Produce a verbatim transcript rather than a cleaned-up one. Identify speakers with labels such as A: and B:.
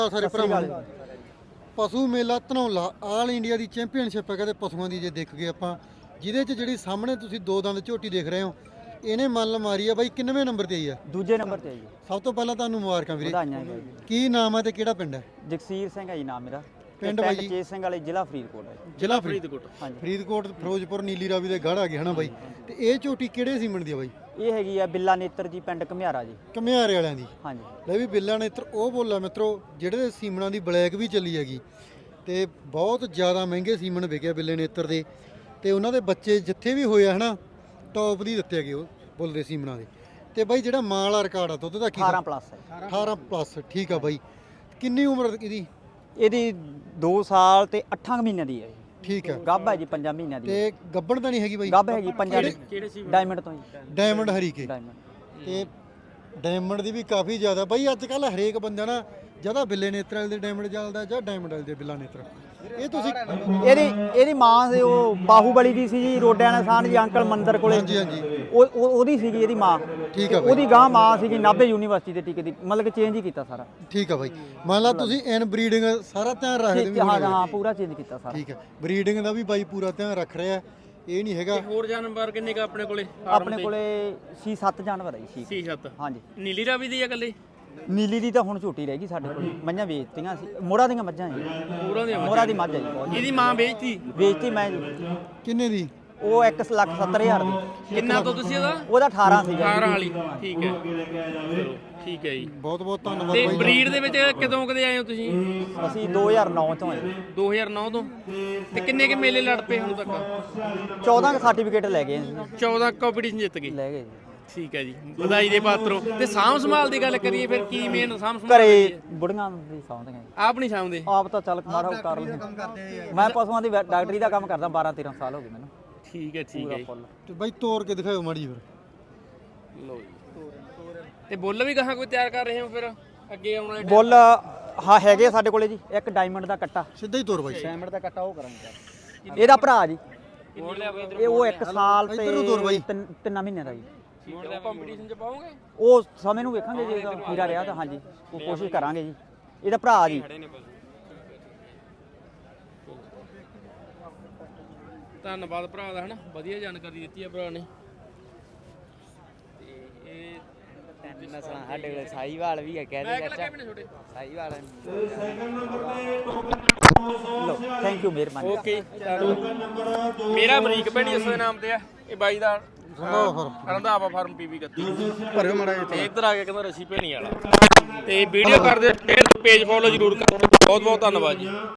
A: ਸਾਰੇ ਭਰਾਵਾਂ ਨੂੰ ਪਸ਼ੂ ਮੇਲਾ ਧਨੌਲਾ ਆਲ ਇੰਡੀਆ ਦੀ ਚੈਂਪੀਅਨਸ਼ਿਪ ਹੈ ਕਹਿੰਦੇ ਪਸ਼ੂਆਂ ਦੀ। ਜੇ ਦੇਖ ਗਏ ਆਪਾਂ ਜਿਹਦੇ 'ਚ ਜਿਹੜੀ ਸਾਹਮਣੇ ਤੁਸੀਂ ਦੋ ਦੰਦ ਝੋਟੀ ਦੇਖ ਰਹੇ ਹੋ, ਇਹਨੇ ਮੱਲ ਮਾਰੀ ਆ ਬਾਈ। ਕਿੰਨਵੇਂ ਨੰਬਰ ਤੇ ਆਈ ਆ?
B: ਦੂਜੇ ਨੰਬਰ ਤੇ ਆਈ।
A: ਸਭ ਤੋਂ ਪਹਿਲਾਂ ਤੁਹਾਨੂੰ ਮੁਬਾਰਕਾਂ ਵੀਰੇ।
B: ਵਧਾਈਆਂ ਜੀ।
A: ਕੀ ਨਾਮ ਹੈ ਤੇ ਕਿਹੜਾ ਪਿੰਡ ਹੈ?
B: ਜਗਸੀਰ ਸਿੰਘ ਹੈ ਜੀ ਨਾਮ ਮੇਰਾ।
A: ਪਿੰਡ ਬਾਈ ਜੀ?
B: ਚੇਤ ਸਿੰਘ ਵਾਲੇ, ਜ਼ਿਲ੍ਹਾ ਫਰੀਦਕੋਟ ਹੈ।
A: ਜ਼ਿਲ੍ਹਾ ਫਰੀਦਕੋਟ।
B: ਹਾਂਜੀ,
A: ਫਰੀਦਕੋਟ ਫਿਰੋਜ਼ਪੁਰ ਨੀਲੀ ਰਾਵੀ ਦੇ ਗੜ੍ਹ ਆ ਗਏ ਹਨਾ ਬਾਈ। ਤੇ ਇਹ ਝੋਟੀ ਕਿਹੜੇ ਸੀਮਨ ਦੀ ਆ ਬਾਈ?
B: ਇਹ ਹੈਗੀ ਆ ਬਿੱਲਾ ਨੇਤਰ ਜੀ, ਪਿੰਡ ਘਮਿਆਰਾ ਜੀ।
A: ਘਮਿਆਰੇ ਵਾਲਿਆਂ ਦੀ।
B: ਹਾਂਜੀ,
A: ਲੈ ਵੀ ਬਿੱਲਾ ਨੇਤਰ ਉਹ ਬੋਲਾ ਮਿੱਤਰੋ ਜਿਹੜੇ ਸੀਮਨਾਂ ਦੀ ਬਲੈਕ ਵੀ ਚੱਲੀ ਹੈਗੀ ਤੇ ਬਹੁਤ ਜ਼ਿਆਦਾ ਮਹਿੰਗੇ ਸੀਮਨ ਵਿਕਿਆ ਬਿੱਲੇ ਨੇਤਰ ਦੇ। ਤੇ ਉਹਨਾਂ ਦੇ ਬੱਚੇ ਜਿੱਥੇ ਵੀ ਹੋਇਆ ਹਨਾ ਟੌਪ ਦੀ ਦਿੱਤੇ ਹੈਗੇ ਉਹ ਬੋਲਦੇ ਸੀਮਨਾਂ ਦੇ। ਤੇ ਬਾਈ ਜਿਹੜਾ ਮਾਂ ਵਾਲਾ ਰਿਕਾਰਡ ਆ ਦੁੱਧ ਦਾ ਕੀ?
B: ਅਠਾਰਾਂ ਪਲੱਸ ਹੈ।
A: ਅਠਾਰਾਂ ਪਲੱਸ। ਠੀਕ ਆ ਬਾਈ। ਕਿੰਨੀ ਉਮਰ ਇਹਦੀ?
B: ਇਹਦੀ ਦੋ ਸਾਲ ਤੇ ਅੱਠਾਂ ਮਹੀਨਿਆਂ ਦੀ ਹੈ।
A: ਠੀਕ ਆ।
B: ਗੱਭ ਹੈ ਜੀ ਪੰਜਾਂ ਮਹੀਨਿਆਂ ਦੀ।
A: ਤੇ ਗੱਬਣ ਤਾਂ ਨਹੀਂ ਹੈਗੀ ਬਾਈ?
B: ਗੱਭ ਹੈਗੀ ਪੰਜਾਂ ਦੀ। ਡਾਇਮੰਡ ਤੋਂ ਜੀ।
A: ਡਾਇਮੰਡ ਹਰੀਕੇ।
B: ਡਾਇਮੰਡ।
A: ਤੇ ਡਾਇਮੰਡ ਦੀ ਵੀ ਕਾਫੀ ਜ਼ਿਆਦਾ ਬਾਈ। ਅੱਜ ਕੱਲ ਹਰੇਕ ਬੰਦਾ ਨਾ ਜਿਹਦਾ ਬਿੱਲੇ ਨੇਤਰ ਵਾਲੇ ਦੇ ਡਾਇਮੰਡ ਚੱਲਦਾ ਜਾਂ ਡਾਇਮੰਡ ਵਾਲੇ ਦੇ ਬਿੱਲਾ ਨੇਤਰ। ਇਹ ਤੁਸੀਂ
B: ਇਹਦੀ ਇਹਦੀ ਮਾਂ ਸੀ ਉਹ ਬਾਹੂਬਲੀ ਦੀ ਸੀ ਜੀ, ਰੋਡਿਆਂ ਨਿਸ਼ਾਨ ਜੀ ਅੰਕਲ ਮੰਦਰ ਕੋਲੇ।
A: ਹਾਂਜੀ ਹਾਂਜੀ।
B: ਉਹ ਉਹ- ਉਹਦੀ ਸੀਗੀ ਇਹਦੀ ਮਾਂ।
A: ਠੀਕ ਆ ਬਾਈ।
B: ਉਹਦੀ ਗਾਂ ਮਾਂ ਸੀਗੀ ਨਾਭੇ ਯੂਨੀਵਰਸਿਟੀ ਦੇ ਟੀਕੇ ਦੀ, ਮਤਲਬ ਕਿ ਚੇਂਜ ਹੀ ਕੀਤਾ ਸਾਰਾ।
A: ਠੀਕ ਆ ਬਾਈ। ਮੰਨ ਲਾ ਤੁਸੀਂ ਇਨ ਬਰੀਡਿੰਗ ਸਾਰਾ ਧਿਆਨ ਰੱਖਦੇ ਵੀ
B: ਹਾਂ
A: ਹੋਣੇ।
B: ਹਾਂ, ਪੂਰਾ ਚੇਂਜ ਕੀਤਾ ਸਾਰਾ।
A: ਠੀਕ ਆ। ਬਰੀਡਿੰਗ ਦਾ ਵੀ ਬਾਈ ਪੂਰਾ ਧਿਆਨ ਰੱਖ ਰਿਹਾ। ਇਹ ਨਹੀਂ ਹੈਗਾ।
C: ਹੋਰ ਜਾਨਵਰ ਕਿੰਨੇ ਕਾ ਆਪਣੇ ਕੋਲੇ?
B: ਆਪਣੇ ਕੋਲੇ ਛੇ ਸੱਤ ਜਾਨਵਰ ਹੈ ਜੀ।
C: ਛੇ ਸੱਤ।
B: ਹਾਂਜੀ।
C: ਨੀਲੀ ਰਾਵੀ ਦੀ ਆ ਇਕੱਲੇ?
B: ਨੀਲੀ ਦੀ ਤਾਂ ਹੁਣ ਝੋਟੀ ਰਹਿ ਗਈ ਸਾਡੇ ਕੋਲ। ਮੱਝਾਂ ਵੇਚਤੀਆਂ ਸੀ, ਮੋਹਰਾਂ ਦੀਆਂ ਮੱਝਾਂ ਜੀ।
C: ਪੂਰਾ ਦੀਆਂ
B: ਮੋਹਰਾਂ ਦੀ ਮੱਝ ਹੈ ਜੀ ਬਹੁਤ।
C: ਇਹਦੀ ਮਾਂ ਵੇਚਤੀ?
B: ਵੇਚਤੀ ਮੈਂ ਜੀ।
A: ਕਿੰਨੇ ਦੀ?
B: ਉਹ ਇੱਕ ਲੱਖ ਸੱਤਰ ਹਜ਼ਾਰ ਦੀ।
C: ਕਿੰਨਾ ਤੋਂ ਤੁਸੀਂ ਇਹਦਾ?
B: ਉਹਦਾ ਅਠਾਰਾਂ ਸੀਗਾ।
C: ਅਠਾਰਾਂ ਵਾਲੀ। ਠੀਕ ਹੈ, ਚਲੋ ਠੀਕ ਹੈ ਜੀ।
A: ਬਹੁਤ ਬਹੁਤ ਧੰਨਵਾਦ
C: ਤੇ
A: ਬਾਈ।
C: ਬਰੀਡ ਦੇ ਵਿੱਚ ਕਦੋਂ ਕਦੇ ਆਏ ਹੋ ਤੁਸੀਂ?
B: ਅਸੀਂ ਦੋ ਹਜ਼ਾਰ ਨੌ ਤੋਂ ਆਏ।
C: ਦੋ ਹਜ਼ਾਰ ਨੌ ਤੋਂ। ਤੇ ਕਿੰਨੇ ਕੇ ਮੇਲੇ ਲੜ ਪਏ ਹੁਣ ਤੱਕ?
B: ਚੌਦਾਂ ਸਰਟੀਫਿਕੇਟ ਲੈ ਗਏ ਅਸੀਂ।
C: ਚੌਦਾਂ ਕੰਪੀਟੀਸ਼ਨ ਜਿੱਤ ਗਏ।
B: ਲੈ ਗਏ ਜੀ।
C: ਠੀਕ ਹੈ ਜੀ, ਵਧਾਈ ਦੇ ਪਾਤਰੋ। ਤੇ ਸਾਂਭ ਸੰਭਾਲ ਦੀ ਗੱਲ ਕਰੀਏ ਫਿਰ ਕੀ ਮੇਨ ਸਾਂਭ ਸੰਭਾਲ
B: ਘਰੇ ਬੁੜੀਆਂ ਦੀ ਸਾਂਭਦੀਆਂ ਜੀ।
C: ਆਪ ਨਹੀਂ ਸਾਂਭਦੇ?
B: ਆਪ ਤਾਂ ਚੱਲ ਮਾੜਾ ਕਰ ਲੈਂਦੇ। ਮੈਂ ਪਸ਼ੂਆਂ ਦੀ ਵੈ- ਡਾਕਟਰੀ ਦਾ ਕੰਮ ਕਰਦਾ, ਬਾਰਾਂ ਤੇਰਾਂ ਸਾਲ ਹੋ ਗਏ ਮੈਨੂੰ।
C: ਠੀਕ ਹੈ, ਠੀਕ ਹੈ ਜੀ।
B: ਫੁੱਲ।
A: ਤੇ ਬਾਈ ਤੋੜ ਕੇ ਦਿਖਾਓ ਮਾੜੀ ਫਿਰ।
C: ਲਓ ਜੀ। ਤੇ ਬੁੱਲ ਵੀ ਕਹਾਂ ਕੋਈ ਤਿਆਰ ਕਰ ਰਹੇ ਹੋ ਫਿਰ ਅੱਗੇ ਆਉਣ ਵਾਲੇ?
B: ਬੁੱਲ ਹਾਂ ਹੈਗੇ ਆ ਸਾਡੇ ਕੋਲੇ ਜੀ। ਇੱਕ ਡਾਇਮੰਡ ਦਾ ਕੱਟਾ।
A: ਸਿੱਧਾ ਹੀ ਤੋੜ ਬਾਈ।
B: ਡਾਇਮੰਡ ਦਾ ਕੱਟਾ ਉਹ ਕਰਾਂਗੇ। ਇਹਦਾ ਭਰਾ ਜੀ। ਇਹ ਉਹ ਇੱਕ ਸਾਲ ਤੇ
A: ਇੱਧਰ ਨੂੰ ਤੋਰ ਬਾਈ।
B: ਤਿੰਨ ਤਿੰਨਾਂ ਮਹੀਨਿਆਂ ਦਾ ਜੀ।
C: ਕੰਪੀਟੀਸ਼ਨ ਚ ਪਾਓਗੇ?
B: ਉਹ ਸਮੇਂ ਨੂੰ ਵੇਖਾਂਗੇ ਜੇ ਇਹਦਾ ਪੂਰਾ ਰਿਹਾ ਤਾਂ ਹਾਂਜੀ ਉਹ ਕੋਸ਼ਿਸ਼ ਕਰਾਂਗੇ ਜੀ। ਇਹਦਾ ਭਰਾ ਜੀ।
C: ਧੰਨਵਾਦ ਭਰਾ ਦਾ, ਹਨਾ ਵਧੀਆ ਜਾਣਕਾਰੀ ਦਿੱਤੀ ਹੈ ਭਰਾ ਨੇ। ਤੇ ਇਹ
D: ਤਿੰਨ ਨਸਲਾਂ ਸਾਡੇ ਕੋਲ। ਸਾਹੀਵਾਲ ਵੀ ਹੈ, ਕਹਿ
C: ਮੈਂ
D: ਦੇ
C: ਕਿਹਾ ਲੱਗੇ ਵੀ ਨੇ ਛੋਟੇ।
D: ਸਾਹੀਵਾਲ
B: ਲੋ ਥੈਂਕ ਯੂ, ਮਿਹਰਬਾਨੀ।
C: ਓਕੇ, ਮੇਰਾ ਅਮਰੀਕ ਭੈਣੀ ਉਸ ਦੇ ਨਾਮ ਤੇ ਆ। ਇਹ ਬਾਈ ਦਾ ਰੰਧਾਵਾ ਫਾਰਮ ਪੀਵੀ ਗੱਤੀ
A: ਭਰਿਓ ਮਾੜਾ ਜਿਹਾ।
C: ਤੇ ਇੱਧਰ ਆ ਕੇ ਕਹਿੰਦਾ ਰਸੀ ਭੈਣੀ ਵਾਲਾ। ਤੇ ਵੀਡੀਓ ਕਰਦੇ ਸ਼ੇਅਰ, ਪੇਜ ਫੋਲੋ ਜ਼ਰੂਰ ਕਰੋ। ਬਹੁਤ ਬਹੁਤ ਧੰਨਵਾਦ ਜੀ।